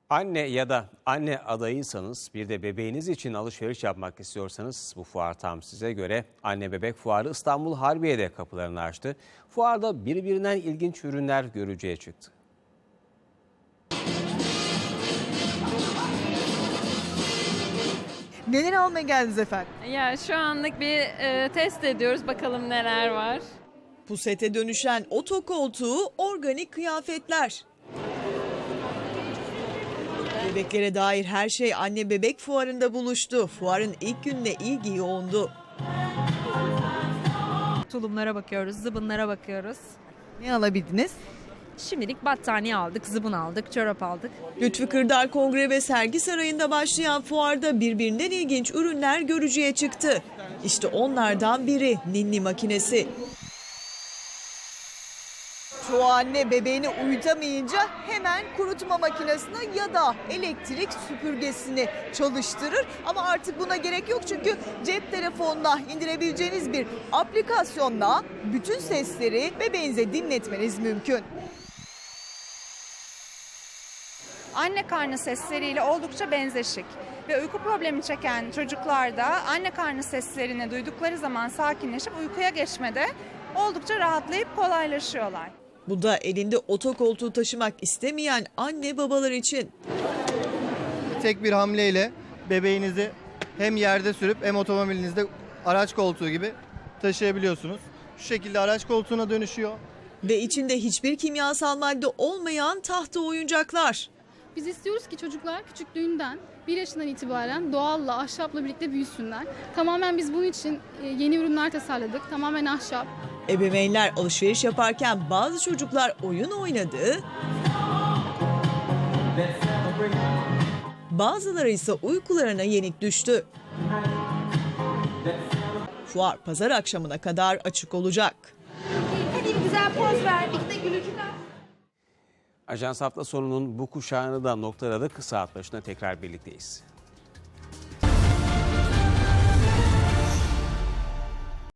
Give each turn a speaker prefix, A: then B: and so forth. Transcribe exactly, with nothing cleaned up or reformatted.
A: Anne ya da anne adayıysanız, bir de bebeğiniz için alışveriş yapmak istiyorsanız bu fuar tam size göre. Anne Bebek Fuarı İstanbul Harbiye'de kapılarını açtı. Fuarda birbirinden ilginç ürünler görücüye çıktı.
B: Neler almaya geldiniz efendim?
C: Ya şu anlık bir e, test ediyoruz, bakalım neler var.
B: Pusete dönüşen otokoltuğu, organik kıyafetler. Bebeklere dair her şey Anne Bebek Fuarı'nda buluştu. Fuarın ilk gününe ilgi yoğundu.
D: Tulumlara bakıyoruz, zıbınlara bakıyoruz.
B: Ne alabildiniz?
D: Şimdilik battaniye aldık, zıbın aldık, çorap aldık.
B: Lütfü Kırdar Kongre ve Sergi Sarayı'nda başlayan fuarda birbirinden ilginç ürünler görücüye çıktı. İşte onlardan biri ninni makinesi. Çoğu anne bebeğini uyutamayınca hemen kurutma makinesine ya da elektrik süpürgesini çalıştırır. Ama artık buna gerek yok çünkü cep telefonuna indirebileceğiniz bir aplikasyonla bütün sesleri bebeğinize dinletmeniz mümkün.
E: Anne karnı sesleriyle oldukça benzeşik ve uyku problemi çeken çocuklarda anne karnı seslerini duydukları zaman sakinleşip uykuya geçmede oldukça rahatlayıp kolaylaşıyorlar.
B: Bu da elinde otokoltuğu taşımak istemeyen anne babalar için.
F: Tek bir hamleyle bebeğinizi hem yerde sürüp hem otomobilinizde araç koltuğu gibi taşıyabiliyorsunuz. Şu şekilde araç koltuğuna dönüşüyor.
B: Ve içinde hiçbir kimyasal madde olmayan tahta oyuncaklar.
G: Biz istiyoruz ki çocuklar küçüklüğünden bir yaşından itibaren doğalla, ahşapla birlikte büyüsünler. Tamamen biz bunun için yeni ürünler tasarladık. Tamamen ahşap.
B: Ebeveynler alışveriş yaparken bazı çocuklar oyun oynadı. Bazıları ise uykularına yenik düştü. Fuar pazar akşamına kadar açık olacak.
H: Hadi bir güzel poz ver, bir de gülücükler.
A: Ajans hafta sonunun bu kuşağını da noktaladık. Saat başına tekrar birlikteyiz.